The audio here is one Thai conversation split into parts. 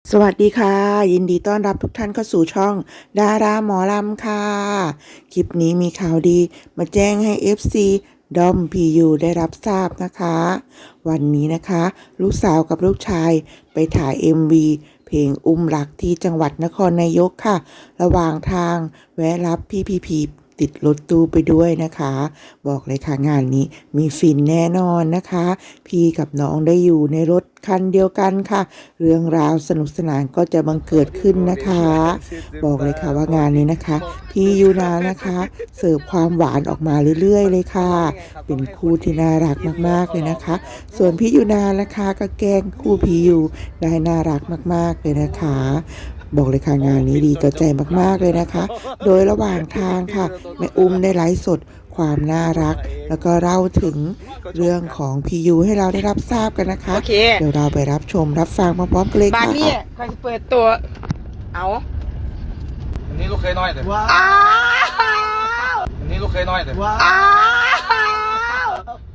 สวัสดีค่ะยินดีต้อนรับทุกท่านเข้าสู่ช่องดาราหมอลำค่ะคลิปนี้มีข่าวดีมาแจ้งให้ FC ดอมพียูได้รับทราบนะคะวันนี้นะคะลูกสาวกับลูกชายไปถ่าย MV เพลงอุ้มรักที่จังหวัดนครนายกค่ะระหว่างทางแวะรับพี่พีติดรถตู้ไปด้วยนะคะบอกเลยค่ะงานนี้มีฟินแน่นอนนะคะพี่กับน้องได้อยู่ในรถคันเดียวกันค่ะเรื่องราวสนุกสนานก็จะบังเกิดขึ้นนะคะบอกเลยค่ะว่างานนี้นะคะพี่ยูนานะคะเสิร์ฟความหวานออกมาเรื่อยๆเลยค่ะเป็นคู่ที่น่ารักมากๆเลยนะคะส่วนพี่ยูนานะคะก็แกล้งคู่พี่ยูได้น่ารักมากๆเลยนะคะบอกเลยค่ะงานนี้ดีต่อใจมากๆเลยนะคะโดยระหว่างทางค่ะแม่อุ้มได้ไลฟ์สดความน่ารักแล้วก็เล่าถึงเรื่องของพียูให้เราได้รับทราบกันนะคะโอเคเดี๋ยวเราไปรับชมรับฟังพร้อมๆกันเลยบ้านค่ะนี้ใครจะเปิดตัว เอาอันนี้ลูกเคยน้อยแต่อ้าวอันนี้ลูกเคยน้อยแต่อ้าว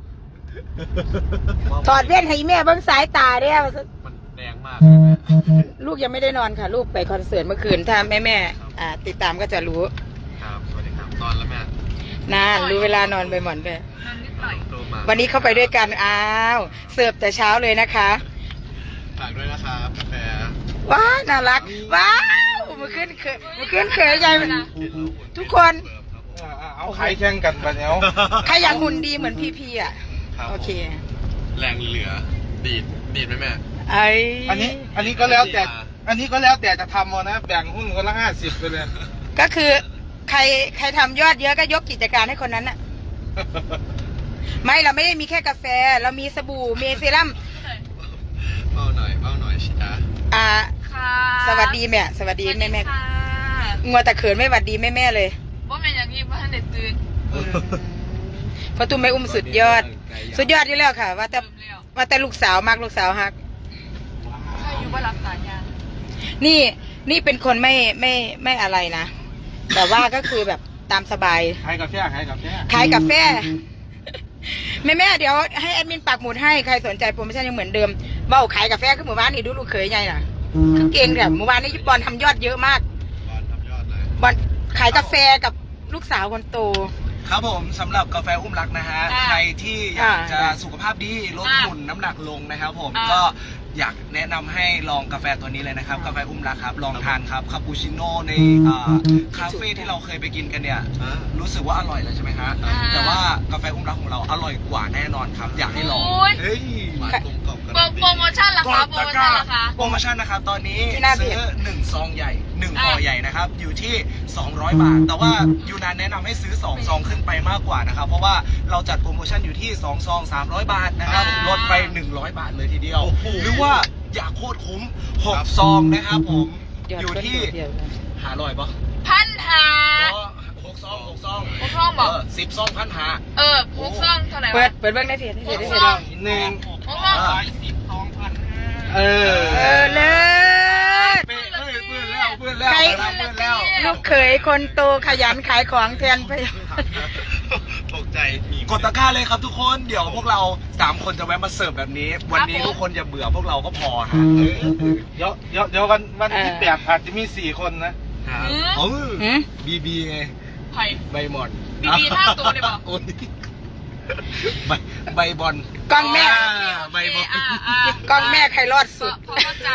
ถอดเว้นให้แม่เบิ้งสายตาเด้อมันแดงมากลูกยังไม่ได้นอนค่ะ ลูกไปคอนเสิร์ตเมื่อคืน ถ้าแม่ติดตามก็จะรู้ครับสวัสดีครับนอนแล้วแม่นานรู้เวลานอนไปหมอนไปโตมาวันนี้เข้าไปด้วยกัน อ้าว เสิร์ฟแต่เช้าเลยนะคะฝากด้วยนะครับกาแฟว้าวน่ารัก ว้าวมาขึ้นเขยใหญ่ทุกคนเอาขายแข่งกันไปแล้วใครอยากหุ่นดีเหมือนพี่อ่ะ โอเคแรงเหลือดีดไหมแม่ไอ้อันนี้ก็แล้วแต่ อันนี้ก็แล้วแต่จะทำเอานะแบ่งหุ้นคนละ50ไปเลยก็คือใครทำยอดเยอะก็ยกกิจการให้คนนั้นน่ะ ไม่เราไม่ได้มีแค่กาแฟ เรามีสบู่มีเซรั่มเบาหน่อยชิจ้าค่ะสวัสดีแม่สวัสดีแม่ค่ะงัวแต่เขินไม่หวัดดีแม่เลยว่าแม่อย่างนี้ว่าท่านเด็ดตื่นเพราะตุ้มไม่อุ้มสุดยอดอยู่แล้วค่ะ ว่าแต่เริ่มแล้วว่าแต่ลูกสาวมากลูกสาวฮักใครอยู่ว่ารักษางานนี่เป็นคนไม่อะไรนะ แต่ว่าก็คือแบบตามสบายขายกาแฟขายกาแฟ แม่เดี๋ยวให้แอดมินปักหมุดให้ใครสนใจโปรโมชั่นยังเหมือนเดิมเบ้าขายกาแฟขึ้นหมู่บ้านนี่ดูลูกเขยไงน่ะคือเก่งแบบหมู่บ้านนี้บอลทำยอดเยอะมากบอลทำยอดเลยบอลขายกาแฟกับลูกสาวคนโตครับผมสำหรับกาแฟอุ้มรักนะฮะอ่าใครที่อยากจะอ่าสุขภาพดีลดอ่าหุ่นน้ำหนักลงนะครับผมอ่าก็อยากแนะนำให้ลองกาแฟตัวนี้เลยนะครับ กาแฟอุ้มรักครับลองทานครับคาปูชิโน่ในคาเฟ่ที่เราเคยไปกินกันเนี่ยรู้สึกว่าอร่อยแล้วใช่ไหมฮะแต่ว่ากาแฟอุ้มรักของเราอร่อยกว่าแน่นอนครับ อยากให้ลองโอ้ยเฮ้ยหวานกลมกล่อมกันโปรโมชั่นราคาโปรโมชั่นราคาโปรโมชั่นนะครับตอนนี้ที่หน้าเพจซื้อ1ซองใหญ่1ห่อใหญ่นะครับอยู่ที่200 บาท แต่ว่ายูนานแนะนำให้ซื้อ2ซองขึ้นไปมากกว่านะครับเพราะว่าเราจัดโปรโมชั่นอยู่ที่2ซอง300 บาทนะครับลดไป100 บาทเลยทีเดียว หรือว่าอยากโคตรคุ้ม6ซองนะครับผมอยู่ที่หาลอยปะพันหา 6ซอง6ซองหกซองบอก 10ซองพันหาหกซองเท่าไหร่เปิวะดเบิ้งได้เพจได้เพจหกซองหนึ่งหกซองเออเลิศเปื้อนแล้วเปื้อนแล้วใครเปื้อนแล้วลูกเขยคนโตขยันขายของแทนไปตกใจกดตะกร้าเลยครับทุกคนเดี๋ยวพวกเรา3คนจะแวะมาเสิร์ฟแบบนี้ วันนี้ทุกคนอย่าเบื่อพวกเราก็พอฮะเดี๋ยววันที่8อาจจะมี4คนนะเออหืมบีไงไผ่ใบหมอนบีท่าตัวเลยบอกโอ้ยใบบอลกล้องแม่ใบบอลกล้องแม่ใครรอดสุดพอเข้าใจ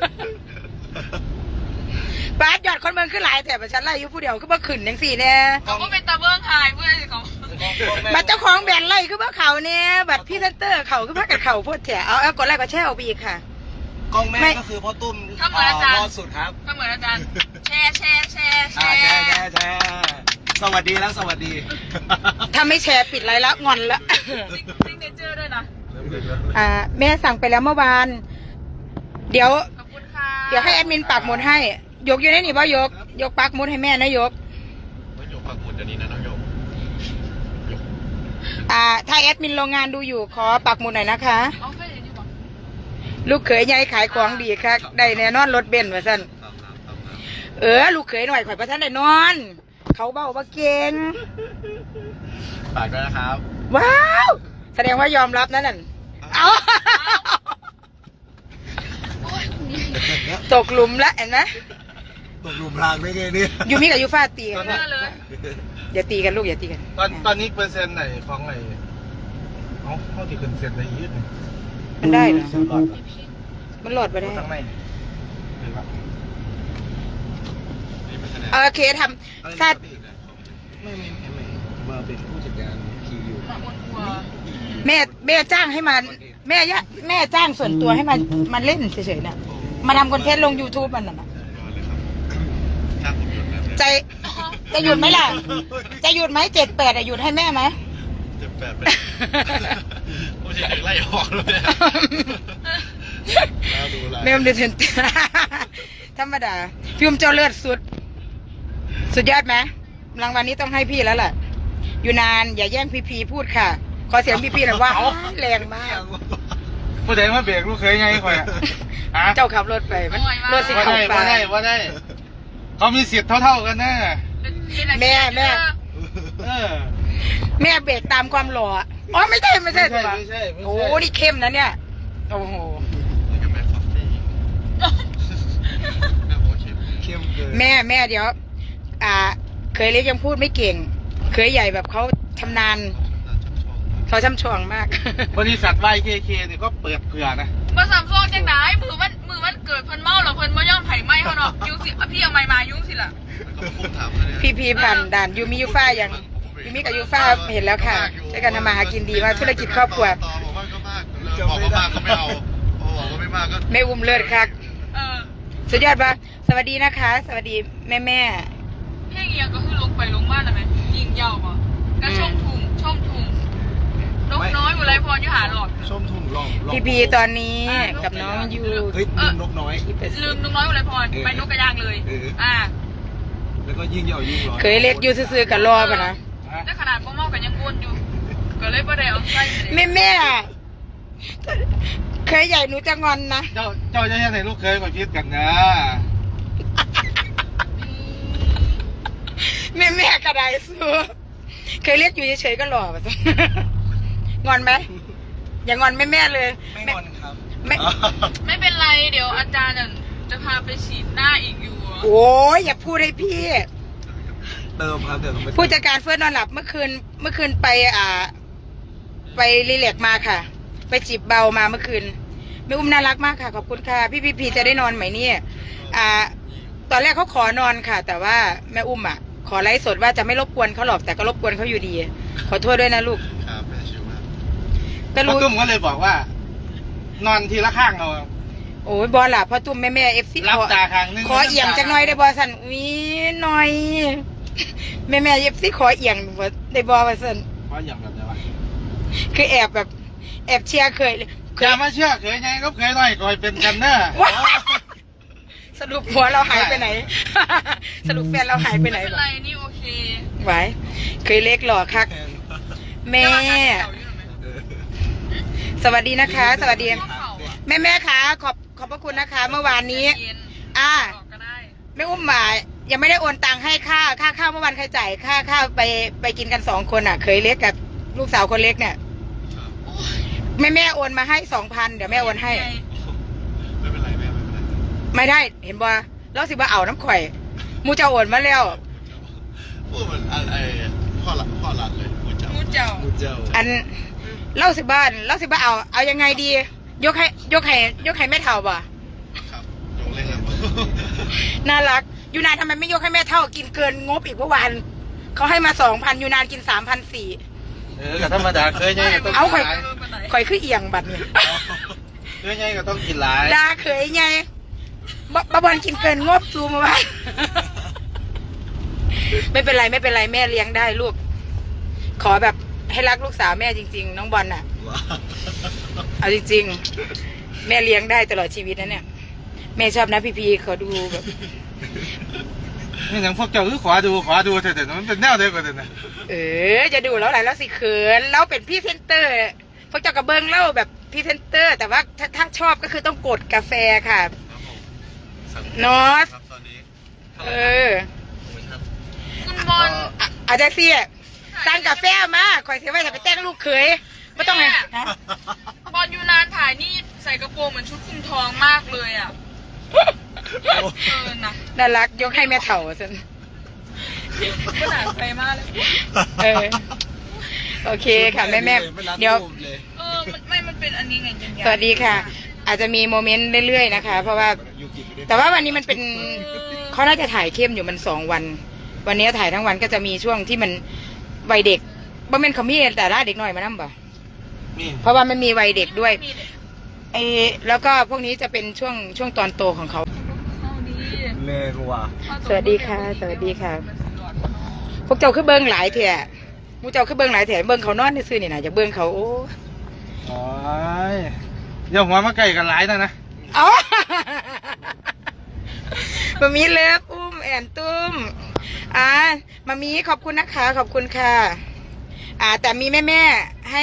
บาสยอดคนเมืองขึ้นหลายแต่ประชันไล่อยู่ผู้เดียวคือบ่ขึ้นจังสี่เนี่ยเขาก็เป็นตาเบิ้งหายเพื่อนสิเขาบัตรเจ้าของแบรนด์ไล่คือบ่เขาเนี่ยบัตรพรี่เซนเตอร์เขาคือพากันเขาพูดแถเอากดไลค์กดแชร์เอาไปอีกค่ะกล้องแม่ไม่ก็คือพ่อตุ้มถ้าเหมือนอาจารย์รอดสุดครับก็เหมือนอาจารย์แชร์แชร์สวัสดีแล้วสวัสดีถ้าไม่แชร์ปิดไลน์แล้วงอนละซิงเนเจอร์ด้วยนะแม่สั่งไปแล้วเมื่อวาน เดี๋ยวขอบคุณค่ะเดี๋ยวให้แอดมินปักหมุดให้ ยกอยู่ในนี่บ่ยกปักหมุดให้แม่นะยกไม่ยกปักหมุดเดี๋ยวนี้นะน้องยกถ้าแอดมินโรงงานดูอยู่ขอปักหมุดหน่อยนะคะเอาไปเลยดีกว่าลูกเขยใหญ่ขายของดีค่ะได้แน่นอนรถเบนซ์ว่าซั่นลูกเขยหน่อยข่อยประทันได้นอน เขาเบ้าว่าเก่งฝากด้วยนะครับว้าว แสดงว่ายอมรับนั่นน่ะเอาโอ้ยคนนี้ตกหลุมละเห็นไหมตกหลุมพรางได้ไงเนี่ยยูมิกับยูฟ่าตีกันเยอะเลยอย่าตีกันลูกอย่าตีกันตอนนี้เปอร์เซ็นต์ไหนของไหนเขาที่ขึ้นเซ็นได้ยืดมันได้เหรอหลอดมันหลอดไปได้ทั้งในโอเคทำถ้าไม่มาเป็นผู้จัดการพีอยู่มาอ้วนอัวแม่จ้างให้มาแม่จ้างส่วนตัวให้มาเล่นเฉยๆน่ะมาทำคอนเทนต์ลง YouTube มันน่ะจะหยุดไหมล่ะ จะหยุดไหม7-8หยุดให้แม่ไหม 7-8ไปผู้ชายไล่ออกเลยแล้วดูอะไรแม่ดูเถอะธรรมดาพี่อุ้มเจ้าเลือดสุดยอดไหมรางวัลนี้ต้องให้พี่แล้วแหละอยู่นานอย่าแย่งพีพูดค่ะ ขอเสียงพีหน่อยว่าแรงมากผู้ใดมาเบรกลูกเคยไงคอยอ่ะเจ้าขับรถไปมันรถสิว่าเข้าได้ไปว่าได้เขามีสิทธิ์เท่ากันนะแม่เออแม่เบรกตามความหล่ออ๋อไม่ใช่ไม่ใช่โอ้นี่เข้มนะเนี่ยโอ้โหเข้มเกินแม่เดี๋ยวเคยเล็กยังพูดไม่เก่ง เคยใหญ่แบบเขาชำนาญเขาช่ำชองมากบริษัท YKK เนี่ยก็เปิดเผื่อนะมาสามซองจังไหนมือมันเกิดเพิ่นเมาหรอเพิ่นมาย่อมไผ่ไหมเขาเนาะยุ่งสิพี่เอาไม้มายุ่งสิล่ะพีผ่านด่านยูมิยูฟ่ายังยูมิกับยูฟ่าเห็นแล้วค่ะใช้กันทำมาหากินดีมากธุรกิจครอบครัวบอกว่าก็มากบอกว่ามากก็ไม่เอาบอกว่าไม่มากก็ไม่อุ้มเลือดคัก สุดยอดปะสวัสดีนะคะ สวัสดีแม่เพลงเอียงก็คือลงไปลงมาแล้วไหมยิงยาวป่ะก็ช่องทุ่งนกน้อยอุไรพรอยู่หาหลอดชมทุ่งลองพีตอนนี้กับน้องยูเฮ้ยลืมนกน้อยลืมนกน้อยอุไรพรไปนกกระยางเลยแล้วก็ยิ่งยาวยิ่งร้อนเคยเล็กอยู่ซื่อๆกับรอปะนะได้ขนาดพ่อเมากันยังวนอยู่ก็เลยประเดี๋ยวใส่แม่เคยใหญ่หนูจะงอนนะเจ้าจะให้ลูกเคยมาพิดกันนะแม่กระไดสู้เคยเรียกอยู่เฉยๆก็หล่อปะงอนไหมอย่างอนแม่เลยไม่งอนครับไม่เป็นไรเดี๋ยวอาจารย์จะพาไปฉีดหน้าอีกอยู่โอ้ยอย่าพูดให้พี่เติมครับเดี๋ยวผู้จัดการเฟิร์สนอนหลับเมื่อคืนไปรีแลกซ์มาค่ะ ไปจีบเบามาเมื่อคืนแม่อุ้มน่ารักมากค่ะขอบคุณค่ะพี่จะได้นอนไหมเนี่ยตอนแรกเขาขอนอนค่ะ แต่ว่าแม่อุ้มขอไลฟ์สดว่าจะไม่รบกวนเขาหรอกแต่ก็รบกวนเขาอยู่ดี ขอโทษด้วยนะลูกครับแม่ชิวมากก็พ่อรู้ตุ้มก็เลยบอกว่า นอนทีละข้างเอาโอ้ยบอลล่ะพ่อตุ้มแม่เอฟซีรับตาข้างนึงขอเอียงจักหน่อยได้บอสันวิหน่อยแม่เอฟซีขอเอียงได้บอสันขอเอียงแบบไหนวะคือแอบเชียร์เคยอย่ามาเชื่อเคยไงก็เคยหน่อยก่อยเป็นกันเนอะว้าสรุปหัวเราหายไปไหน สรุปแฟนเราหายไปไหนไม่เป็นบ่ไรนี่โอเคไว้เคยเล็กหล่อคักแม่ สวัสดีนะคะ สวัสดีแม่คะขอบพระคุณนะคะ เมื่อวานนี้แม่อุ้มยังไม่ได้โอนตังค์ให้ค่าข้าวเมื่อวานใครจ่ายค่าข้าวไปกินกัน2 คนเคยเล็กกับลูกสาวคนเล็กเนี่ยแม่โอนมาให้2,000เดี๋ยวแม่โอนให้ไม่เป็นไรแม่ไม่เป็นไรไม่ได้เห็นบ่แล้วสิบ่เอาน้ำข่อยมูจะโอนมาแล้วพูดเหมือนอะไรพ่อหลัดเลยพูดเจ้ามูเจ้ามูเจ้าอันเล่าสิบ้านเล่าสิบ้าเอายังไงดี ยกให้แม่เท่าบ่ครับยกเล่นครับน่ารักยูนานทำไมไม่ยกให้แม่เท่ากินเกินงบอีกเมื่อวานเขาให้มา2,000ยูนานกิน3,400 ก็ธรรมดาเคยไงก็ต้องเอากินข่อยหลายข่อยคือเอียงบัดเนี่ยเคยไงก็ต้องกินหลายดาเคยไงบอลกินเกินงบซูมาบ้านไม่เป็นไรแม่เลี้ยงได้ลูก ขอแบบให้รักลูกสาวแม่จริงๆน้องบอลน่ะเอาจริงๆแม่เลี้ยงได้ตลอดชีวิตนะเนี่ยแม่ชอบนะพีเขาดูแบบนี่อย่างพวกเจ้าคือขอดูแต่มันเป็นแนวเดียวกันนะจะดูแล้วอะไรแล้วสิเขินแล้วเป็นพรี่เซนเตอร์พวกเจ้ากระเบื้องเล่าแบบพรี่เซนเตอร์ แต่ว่าถ้าชอบก็คือต้องกดกาแฟค่ะนอสครับตอนนี้คุณบอลอาจารย์เสียสั่งกาแฟมาคอยเสียไว้จะไปแต่งลูกเขยไม่ต้องไงบอลยูนานถ่ายนี่ใส่กระโปรงเหมือนชุดคลุมทองมากเลยนะน่ารักยกให้แม่เถ่าสินก็หนาใจมากเลยเออโอเคค่ะแม่แม่เดี๋ยวมันเป็นอันนี้ไงจันยาสวัสดีค่ะ อาจจะมีโมเมนต์เรื่อยๆนะคะ เพราะว่า แต่ว่าวันนี้มันเป็นเขาน่าจะถ่ายเข้มอยู่มัน2 วัน วันนี้ถ่ายทั้งวันก็จะมีช่วงที่มันวัยเด็กบ่แม่นเขามีแต่ล่าเด็กหน่อยมานั่งบ่นี่เพราะว่ามันมีวัยเด็กด้วยแล้วก็พวกนี้จะเป็นช่วงตอนโตของเขาเข้าดีเลยรัวสวัสดีค่ะ สวัสดีค่ะ พวกเจ้าคือเบิ้งหลายแถะมูเจ้าคือเบิ้งหลายแถะเบิ้งเขานอนในซื่อนี่นะจะเบิ้งเขาโอ้โอ้ยอย่าหัวมาไก่กันหลายนะเอามามีเลิฟอุ้มแอนตุ้มมามีขอบคุณนะคะขอบคุณค่ะแต่มีแม่ให้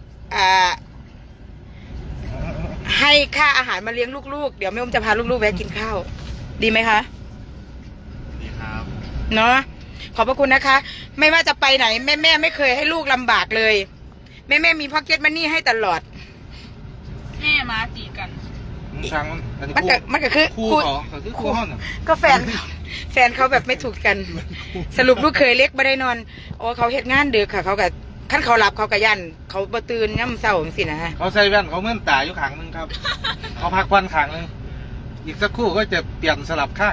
ให้ค่าอาหารมาเลี้ยงลูกๆเดี๋ยวแม่อุ้มจะพาลูกๆแวะกินข้าวดีไหมคะดีครับเนาะขอบพระคุณนะคะ ไม่ว่าจะไปไหนแม่ไม่เคยให้ลูกลำบากเลย แม่มีพ็อกเก็ตมันนี่ให้ตลอดแม่มาตีกันช่างอันนี้มันก็คือคู่เขาคือคู่ห้องน่ะก็แฟนเขาแบบไม่ถูกกัน สรุปลูกเคยเล็กไม่ได้นอนโอ้เขาเฮ็ดงานดึกค่ะ เขากับขั้นเขาหลับเขากับยันเขาบ่ตื่นย่ำเศร้าจังสินะเขาใส่แว่นเขาเมื่อนตาอยู่ข้างหนึงครับ เขาพักวันข้างหนึงอีกสักครู่ก็จะเปลี่ยนสลับข้าง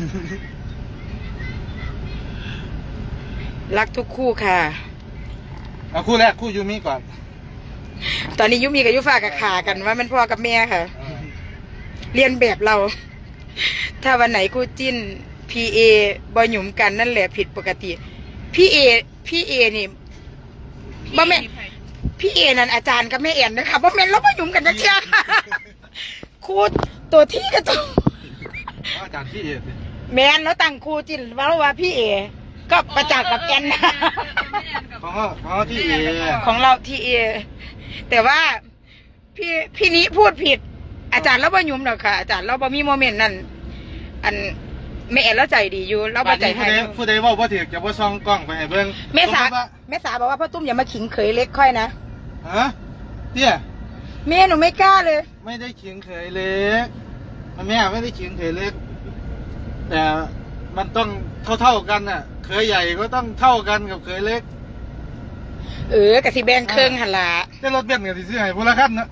รักทุกคู่ค่ะเอาคู่แรกคู่ยูมิก่อนตอนนี้ยุมีกับยุฟ้ากับขากันว่ามันพ่อกับแม่ค่ะ เรียนแบบเรา ถ้าวันไหนคู่จิ้นPA บอหยุมกันนั่นแหละผิดปกติพี่เอนี่บ่แม่นพี่เอนั่นอาจารย์กับแม่เอ็นนะคะบ่แม่นเราบ่หยุมกันนะเชียค่ะครูตัวที่กับตัวอาจารย์ที่เอ็ดแม่นเราตั้งครูจิ้นว่าพี่เอก็ประจักษ์กับแอนนะของที่เอของเราทีเอแต่ว่าพี่นี้พูดผิด อาจารย์เราบ่หยุมหรอกค่ะ อาจารย์เราบ่มีโมเมนต์นั้นอันแม่เอ็นเราใจดีอยู่เราบ่ใจให้ผู้ใดว่าบ่ถือจะบ่ซ่องกล้องไปให้เบิ่งแม่สาบอกว่าพ่อตุ้มอย่ามาขิงเขยเล็กค่อยนะฮะเตี้ยแม่หนูไม่กล้าเลยไม่ได้เขียงเขยเล็กแม่ไม่ได้เขียงเขยเล็ก แต่มันต้องเท่ากันน่ะเขยใหญ่ก็ต้องเท่ากันกับเขยเล็กกะสิแบ่งเครื่องหันละแต่รถเบนซ์ก็สิซื้อให้พละคันนะ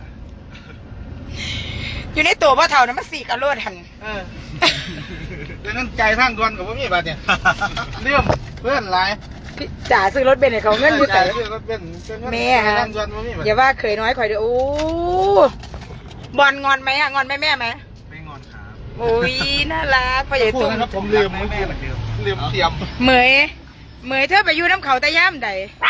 อยู่ในตัวพ่อเฒ่านะมาสี่กะโลดหันดังนั้นใจทางด่วนกับบ่มีบาดเนี่ยเรื่องเพื่อนหลายพี่จ๋าซื้อรถเบนซ์ให้เขาเงินอยู่ใส่ซื้อรถเบนซ์แม่ฮะฮะทางด่วนบ่มีบาดอย่าว่าเคยน้อยข่อยเด้อโอ้บอลงอนไหมอะงอนแม่ไหมไม่งอนครับโอ้ยน่ารักพ่อใหญ่พูดตุ้มนะครับผมลืมแม่เหมือนเดิมลืมเตรียมเหมยเธอไปอยู่น้ำเขาตะย่ามใด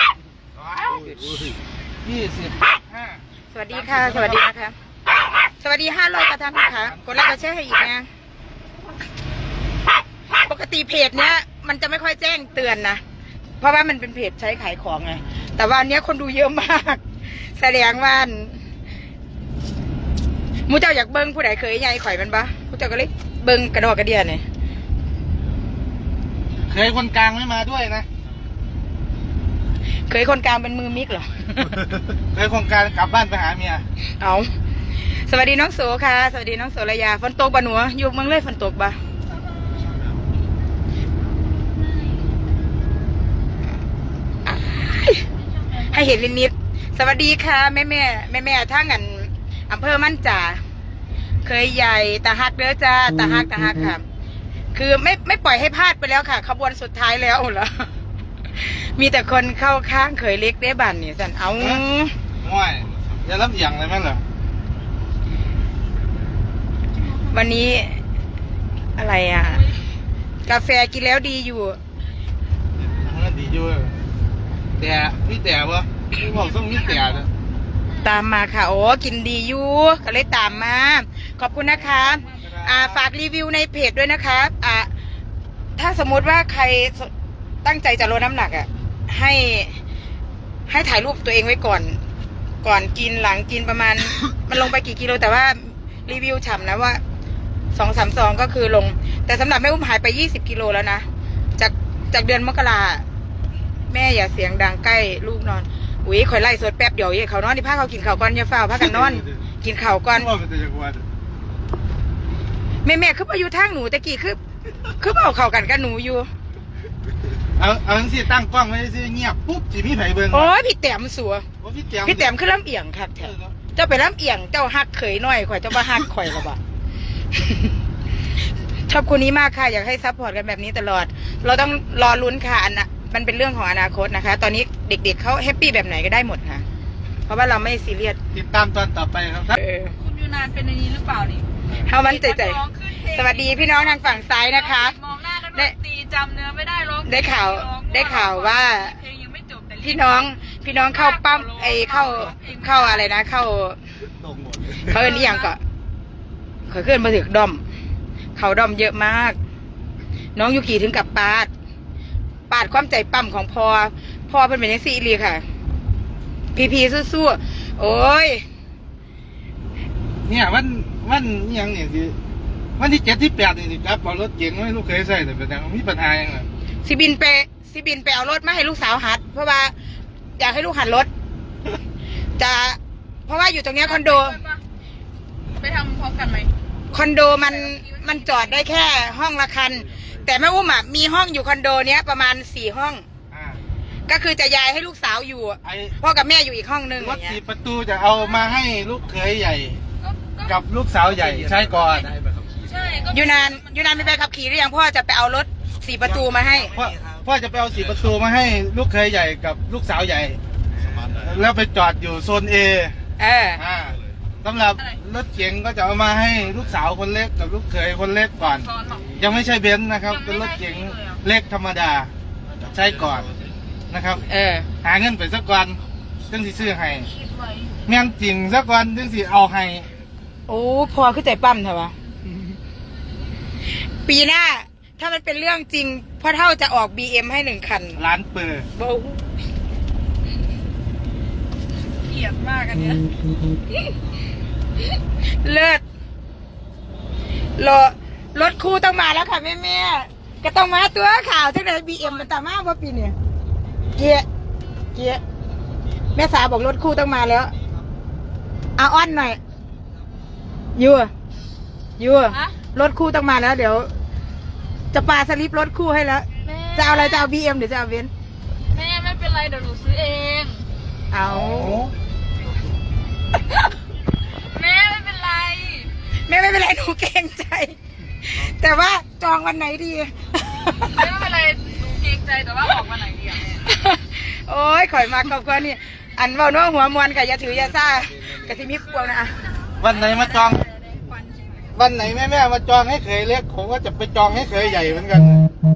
25 สวัสดีค่ะ สวัสดีนะคะ สวัสดี500กระท่านนะคะกดไลค์กดแชร์ให้อีกนะปกติเพจเนี้ยมันจะไม่ค่อยแจ้งเตือนนะเพราะว่ามันเป็นเพจใช้ขายของไงแต่ว่าอันเนี้ยคนดูเยอะมาก แสดงว่ามูเจ้าอยากเบิ้งผู้ใดเคยใหญ่ข่อยมันปะมูเจ้าก็เลยเบิ้งกระดอกกระเดียเนี่ยเคยคนกลางไม่มาด้วยนะเคยคนกลางเป็นมือมิกเหรอเคยคนกลางกลับบ้านไปหาเมียเอาสวัสดีน้องโสค่ะ สวัสดีน้องโสระยาฝนตกบ่หนูอยู่เมืองเลยฝนตกบ่ให้เห็นนิดๆสวัสดีค่ะแม่ทั้งอันอำเภอมั่นจ่าเคยใหญ่ตาฮักเด้อจ้าตาฮักค่ะ คือไม่ปล่อยให้พลาดไปแล้วค่ะ ขบวนสุดท้ายแล้วเหรอ มีแต่คนเข้าข้างเคยเล็กได้บันเนี่ยสันเอาง่อยอย่ารับอย่างเลยแม่เหรอวันนี้อะไรอ่ะ กาแฟกินแล้วดีอยู่มันดีอยู่แต่มีแต่วะที่บอกต้องมีแต่นะตามมาค่ะ โอ้กินดีอยู่ก็เลยตามมา ขอบคุณนะคะ ฝากรีวิวในเพจด้วยนะคะถ้าสมมุติว่าใครตั้งใจจะลดน้ำหนักให้ถ่ายรูปตัวเองไว้ก่อนกินหลังกินประมาณ มันลงไปกี่กิโลแต่ว่ารีวิวฉ่ำนะว่า2-3 ซองก็คือลง แต่สำหรับแม่อุ้มหายไป20 กิโลแล้วนะจากเดือนมกราแม่อย่าเสียงดังใกล้ลูกนอนอุ้ยข่อยไล่สดแป๊บเดียวเขานอนที่พาเขากินข้าวก่อนอย่าเฝ้าพากันนอน กินข้าวก่อนว่าเป็นแต่จังหวัดแม่คือมาอยู่ทางหนูตะกี้คือเอาเข้ากันกับหนูอยู่เอาจังซี่ตั้งกล้องไว้ซื่อเงียบปุ๊บสิมีไผเบิ่งโอ้ยพี่แต้มสัวโอ้พี่แต้มพี่แต้มคือลำเอียงครับแท้เจ้าไปลำเอียงเจ้าฮักเขยน้อยข่อยเจ้าบ่ฮักข่อยละบ่ ชอบคนนี้มากค่ะอยากให้ซัพพอร์ตกันแบบนี้ตลอด เราต้องรอลุ้นค่ะมันเป็นเรื่องของอนาคตนะคะ ตอนนี้เด็กๆเขาแฮปปี้แบบไหนก็ได้หมดค่ะ เพราะว่าเราไม่ซีเรียสติดตามตอนต่อไปครับคุณยูนานเป็นในนี้หรือเปล่านี่เฮามันใจร้องขึ้นเพลงสวัสดีพี่น้องทางฝั่งซ้ายนะคะมองหน้ากันดนตรีจำเนื้อไม่ได้ร้องได้ข่าวร้องได้ข่าวว่าเพลงยังไม่จบแต่พี่น้องเข้าปั๊มเข้าอะไรนะเข้าตรงหมดเลยเขาเอิ้นอีหยังก็เขาขึ้นมาถึงดอมเขาดอมเยอะมาก น้องยูกิถึงกับปาดความใจปั๊มของพ่อเพิ่นเป็นจังซี่อีหลีค่ะ พีสู้ๆโอ้ยเนี่ยวันนี่ยังเนี่ยคือวันที่7ที่8นี่สิครับเอารถเก๋งให้ลูกเคยใส่แต่เป็นยังมีปัญหายังไงสิบินไปเอารถมาให้ลูกสาวหัด เพราะว่าอยากให้ลูกหัดรถเพราะว่าอยู่ตรงเนี้ยคอนโดไปทำพร้อมกันไหมคอนโดมันจอดได้แค่ห้องละคัน แต่แม่อุ้มอ่ะมีห้องอยู่คอนโดเนี้ยประมาณ4 ห้องอ่าก็คือจะย้ายให้ลูกสาวอยู่ไอ้พ่อกับแม่อยู่อีกห้องนึงรอถย่างเงี้สี่ยประตูจะเอามาให้ลูกเคยใหญ่ กับลูกสาวใหญ่ใช้ก่อนใช่ก็ยูนานมีใบขับขี่หรือยังพ่อจะไปเอารถ4 ประตูมาให้พ่อจะไปเอา4 ประตูมาให้ลูกเคยใหญ่กับลูกสาวใหญ่สมาร์ทหน่อยแล้วไปจอดอยู่โซน A เออสำหรับรถเก๋งก็จะเอามาให้ลูกสาวคนเล็กกับลูกเขยคนเล็กก่อนซ้อนหรอยังไม่ใช่เบนซ์นะครับ เป็นรถเก๋งเล็กธรรมดา ใช้ก่อนนะครับเออหาเงินไปสักวันจึงสิซื้อให้คิดไว้แม่นจริงสักวันจึงสิเอาให้โอ้พ่อคือใจปั้มเถอะวะปีหน้า ถ้ามันเป็นเรื่องจริงพ่อเท่าจะออก BM ให้1 คันร้านเปิดโบ้เกลียดมากอันเนี้ยเลิศรถคู่ต้องมาแล้วค่ะแม่ก็ต้องมาตัวข่าวจังไหน BM มันตามมาว่าปีเนี่ยเกียแม่สาบอกรถคู่ต้องมาแล้วเอาอ้อนหน่อยยัวฮะรถคู่ต้องมาแล้ว เดี๋ยว จะปาสลิปรถคู่ให้แล้วแม่จะเอาอะไรจะเอา BM หรือจะเอาเบนซ์แม่ไม่เป็นไรเดี๋ยวหนูซื้อเองเอาแม่ไม่เป็นไรแม่ไม่เป็นไรหนูเกรงใจ แต่ว่าจองวันไหนดีแม่ไม่เป็นไรหนูเกรงใจแต่ว่าออกวันไหนดีอะแม่โอ้ยข่อยมากกับคนนี่อันเบาเน้อหัวมวนค่ะอย่าถืออย่าซ่ากะสิมีควงนะวันไหนมาจอง วันไหนแม่มาจองให้เคยเล็กผมก็จะไปจองให้เคยใหญ่เหมือนกัน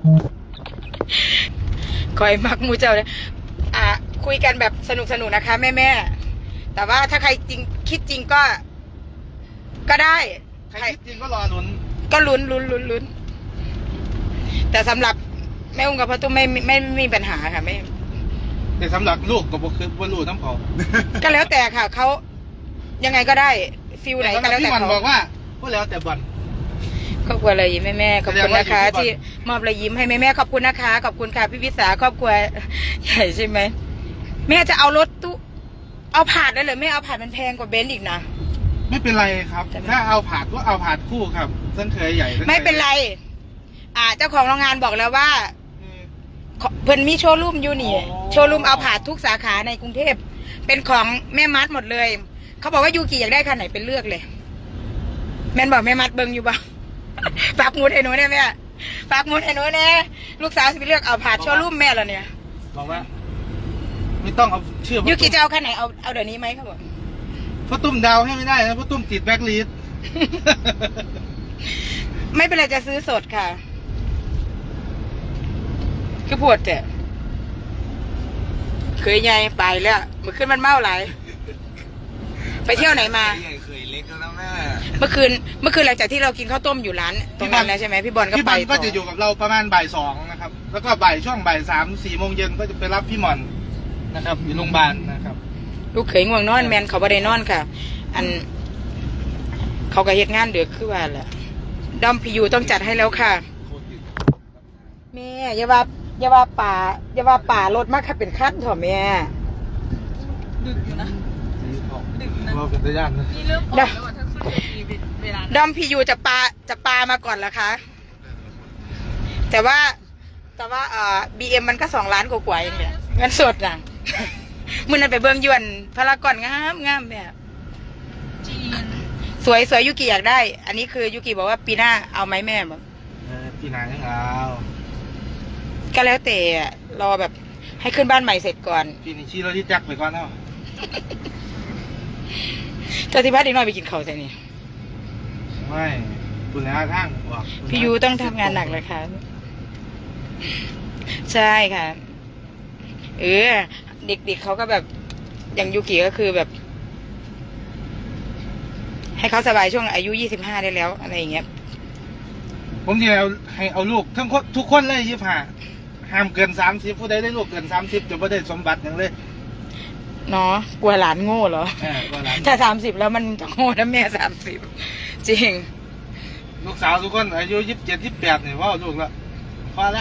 ข่อยมักหมูเจ้าเลยคุยกันแบบสนุกนะคะ แม่แต่ว่าถ้าใครจริงคิดจริงก็ได้ใครคิดจริงก็รอลุ้นก็ลุ้นแต่สำหรับแม่อุ้มกับพ่อตุ้มไม่มีปัญหาค่ะไม่แต่สำหรับลูกก็บ่คือบ่รู้น้ำเขาก็แล้วแต่ค่ะเขายังไงก็ได้ฟิลไหนก็แล้วพี่แต่มันเขาบอกว่าก็แล้วแต่บอลครอบครัวรอยยิ้มให้แม่ขอบคุณนะคะแสดงว่าอยู่ที่ที่มอบรอยยิ้มให้แม่ขอบคุณนะคะขอบคุณค่ะพี่วิสาครอบครัวใหญ่ใช่ไหมแม่จะเอารถตู้เอาผาดได้เลยไม่เอาผาดมันแพงกว่าเบนซ์อีกนะไม่เป็นไรครับ ถ้าเอาผาดก็เอาผาดคู่ครับทั้งเคยใหญ่ทั้งคยไม่เป็นไร เจ้าของโรงงานบอกแล้วว่าอืมเพิ่นมีโชว์รูมอยู่นี่อ๋อโชว์รูมเอาผาดทุกสาขาในกรุงเทพเป็นของแม่มัดหมดเลยเขาบอกว่ายูกิอยากได้คันไหนเป็นเลือกเลย แม่นบอกแม่มัดเบิ่งอยู่บ่ ฝากหมูดให้หนูเนี่ยแม่ฝากหมูดให้หนูเนี่ยลูกสาวสิไปเลือกเอาผาดโชว์รูมแม่แล้วเนี่ยบอกว่า ไม่ต้องเอาชื่อยูกิจะเอาคันไหนเอาเดี๋ยวนี้ไหมครับผมพ่อตุ้มดาวให้ไม่ได้นะพ่อตุ้มติดแบ็คลิสต์ไม่เป็นไรจะซื้อสดค่ะ คือปวดแต่เคยไงไปแล้วเมื่อคืนมันเมาหลายไปเที่ยวไหนมาใหญ่เคยเล็กแล้วนะแม่เมื่อคืนหลังจากที่เรากินข้าวต้มอยู่ร้านตรงนั้นแล้วใช่ไหมพี่บอลก็พี่ไปบอลก็ต่จะอยู่กับเราประมาณบ่าย 2นะครับ แล้วก็ช่วงบ่าย 3-4 โมงเย็นก็จะไปรับพี่หม่อนนะครับอยู่โรงพยาบาลนะครับลูกเขยง่วงนอนแมนเขาบ่ได้นอนค่ะ อัน เขาก็เฮ็ดงานเดือคือว่าแหละดอมพียูต้องจัดให้แล้วค่ะแม่อย่าว่าป่ารถมากค่ะเป็นขั้นเถอะแม่ดึกอยู่นะ ดึกนะเราเป็นตะย่านนะนี่เริ่มออกแล้วอะแท็กซี่เวลาดอมพียูจะปลามาก่อนเหรอคะ แต่ว่าBM มันก็2 ล้านกว่าๆเองเนี่ยเงินสดน่ะ มึงนั่นไปเบิ่งยวนพารากอนงามแบบจีนสวยยูกิอยากได้ อันนี้คือยูกิบอกว่าปีหน้าเอาไหมแม่บอกพี่นายยังเอาก็แล้วแต่รอแบบให้ขึ้นบ้านใหม่เสร็จก่อนพี่นี่ชี้รถที่จักรไปก่อนเนาะเจ้าที่บ้านเด็กน้อยไปกินข้าวใช่นี่ไม่คุณแล้วทางบอกพี่ยูต้องทำงานหนักเลยค่ะ ใช่ค่ะเด็กๆเขาก็แบบอย่างยูกิก็คือแบบ ให้เขาสบายช่วงอายุ25ได้แล้วอะไรอย่างเงี้ยผมจะให้เอาลูกทั้งคนทุกคนเลย25ห้ามเกิน30ผู้ใดได้ลูกเกิน30จะไม่ได้สมบัติอย่างเลยเนาะกลัวหลานโง่เหรอว่าหลานถ้า30แล้วมันจะโง่นะแม่30จริงลูกสาวทุกคนอายุ27 28เนี่ยว่าลูกละพอละ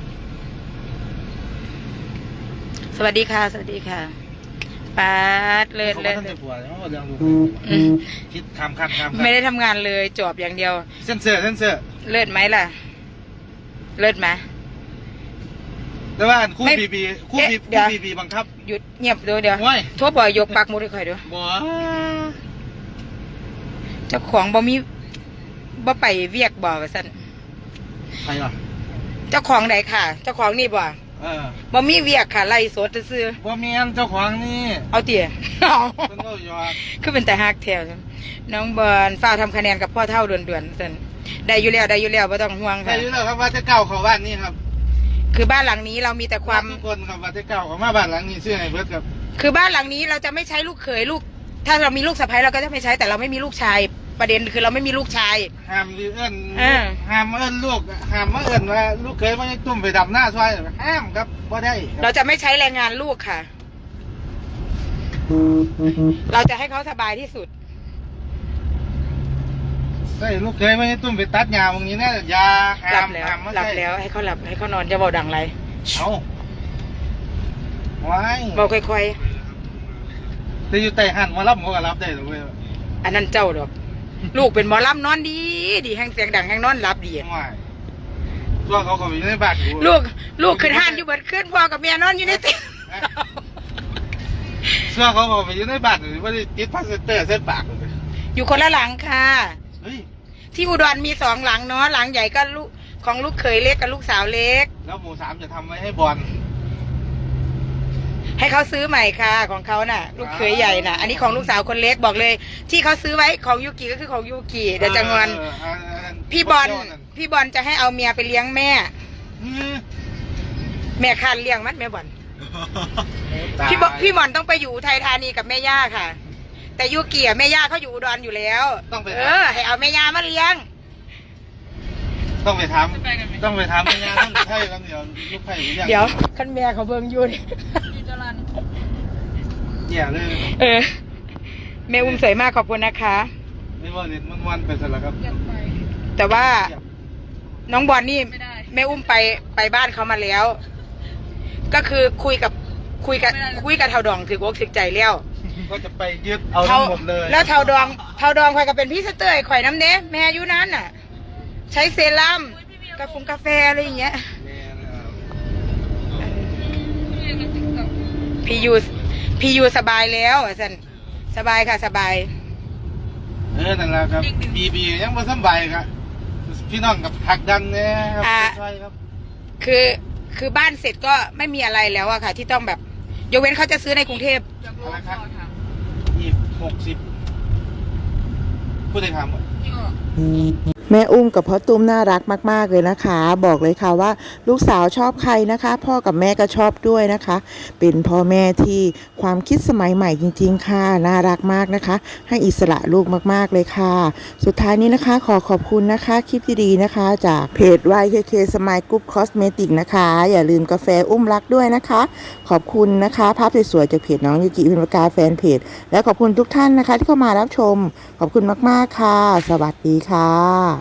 สวัสดีค่ะ สวัสดีค่ะปาดเลิศเขาเลิศท่านจะปวดเขาเรื่องลูกอืมคิดคำไม่ได้ทำงานเลยจอบอย่างเดียวเส้นเสือเลิศไหมล่ะ เลิศไหมแต่ว่าคู่ไม่บีคู่เอ๊ะเดี๋ยวบีบังคับหยุดเงียบเดี๋ยวโอ้ยโทษบ่อยยกปากมุดให้ข่อยด้วยบ่เจ้าของบ่ไปเวียกบ่ว่าซั่นใครอ่ะเจ้าของไหนค่ะ เจ้าของนี่บ่ บ่มีเวียกค่ะไล่สดซื่อบ่เมียนเจ้าของนี่เอาเตี๋ยเพิ่นก็ยอดคือเป็นแต่ฮักแถวน้องบอลฝ้าวทำคะแนนกับพ่อเท่าด่วนๆซั่นได้อยู่แล้วไม่ต้องห่วงใครค่ะรู้แล้วครับว่าจะเก่าเขาบ้านนี่ครับคือบ้านหลังนี้เรามีแต่ความทุกคนครับว่าจะเก่าเขามาบ้านหลังนี้ชื่อไอ้เบิร์ดครับคือบ้านหลังนี้เราจะไม่ใช้ลูกเขยลูก ถ้าเรามีลูกสะใภ้เราก็จะไม่ใช้แต่เราไม่มีลูกชาย ประเด็นคือเราไม่มีลูกชายห้ามเอิ้นอ่าห้ามเอิ้นลูกห้ามมาเอิ้นว่าลูกเคยมาตุ่มไปดำหน้าซอยห้ามครับบ่ได้คเรารับจะไม่ใช้แรงงานลูกค่ะ เราจะให้เขาสบายที่สุดใช่ลูกเคยมาตุ่มไปตัดหญ้าตรงนี้นะอย่าหลัห้าบมแล้วห้ามมาหลับใส่แล้วให้เขาหลับให้เขานอนจะเบาดังไรเอาไว้เบาค่อยแต่อยู่ใต้หันมารับเขาก็รับได้หรอกเว้ยๆอันนั้นเจ้าดอก ลูกเป็นหมอลำนอนดีแห้งเสียงดังแห้งนอนหลับดีไม่ช่วงเขาก็อยู่ในบ้านอยู่ลูกขึ้นห้านอยู่เบิดขึ้นพ่อกับเมียนอนอยู่ในเตียงช่วงเขาก็ไปอยู่ในบ้านอยู่ว่าได้ติดพลาสเตอร์เส้นปากเลยอยู่คนละหลังค่ะเฮ้ยที่อุดรมี2 หลังเนาะหลังใหญ่ก็ลูกของลูกเขยเล็กกับลูกสาวเล็กแล้วหมู่3จะทำไว้ให้บอลให้เขาซื้อใหม่ค่ะของเขาน่ะ ลูกเขยใหญ่น่ะ อันนี้ของลูกสาวคนเล็กบอกเลย ที่เขาซื้อไว้ของยูกิก็คือของยูกิเดี๋ยวจะงอนพี่บอลจะให้เอาเมียไปเลี้ยงแม่ แม่คานเลี้ยงมันแม่บอลพี่บอลต้องไปอยู่อุทัยธานีกับแม่ย่าค่ะ แต่ยูกิแม่ย่าเขาอยู่อุดรอยู่แล้วให้เอาแม่ย่ามาเลี้ยงต้องไปทำต้องไปทำไม่งานต้องไผ่กันเดี๋ยวลูกไผ่หรือยังเดี๋ยวคันแม่เขาเบิ่งอยู่นี่ยูจรันเหี้ยเลยแม่อุ้มสวยมากขอบคุณนะคะไม่ว่าเล่นมันไปซะแล้วครับอยากไปแต่ว่าน้องบอลนี่ไม่ได้แม่อุ้มไปบ้านเขามาแล้ว ก็คือคุยกับเท่าดองถืออกถือใจแล้วก็จะไปยึดเอาทั้งหมดเลยแล้วเท่าดองข่อยก็เป็นพี่สเตอร์ข่อยน้ำเน้แม่อยู่นั้นน่ะ ใช้เซรั่มกาแฟอะไรอย่างเงี้ยพี่เรียนกับติ๊กต็อกพี่ยูสบายแล้วสันสบายค่ะสบายนั่นแหละครับบียังไม่สบายครับพี่น้องกับหักดันเนี่ยครับใช่ครับคือบ้านเสร็จก็ไม่มีอะไรแล้วอะค่ะ ที่ต้องแบบยกเว้นเขาจะซื้อในกรุงเทพอยากรู้ว่าเขาถามอีก60ผู้ใดทำพี่ก็แม่อุ้มกับพ่อตุ้มน่ารักมากๆเลยนะคะ บอกเลยค่ะว่าลูกสาวชอบใครนะคะ พ่อกับแม่ก็ชอบด้วยนะคะ เป็นพ่อแม่ที่ความคิดสมัยใหม่จริงๆค่ะน่ารักมากนะคะ ให้อิสระลูกมากๆเลยค่ะ สุดท้ายนี้นะคะขอบคุณนะคะคลิปดีๆนะคะ จากเพจ YKK Smile Group Cosmetic นะคะ อย่าลืมกาแฟอุ้มรักด้วยนะคะ ขอบคุณนะคะภาพสวยๆจากเพจน้องยูกิพิมพ์ปากกาแฟนเพจและขอบคุณทุกท่านนะคะที่เข้ามารับชมขอบคุณมากๆค่ะ สวัสดีค่ะ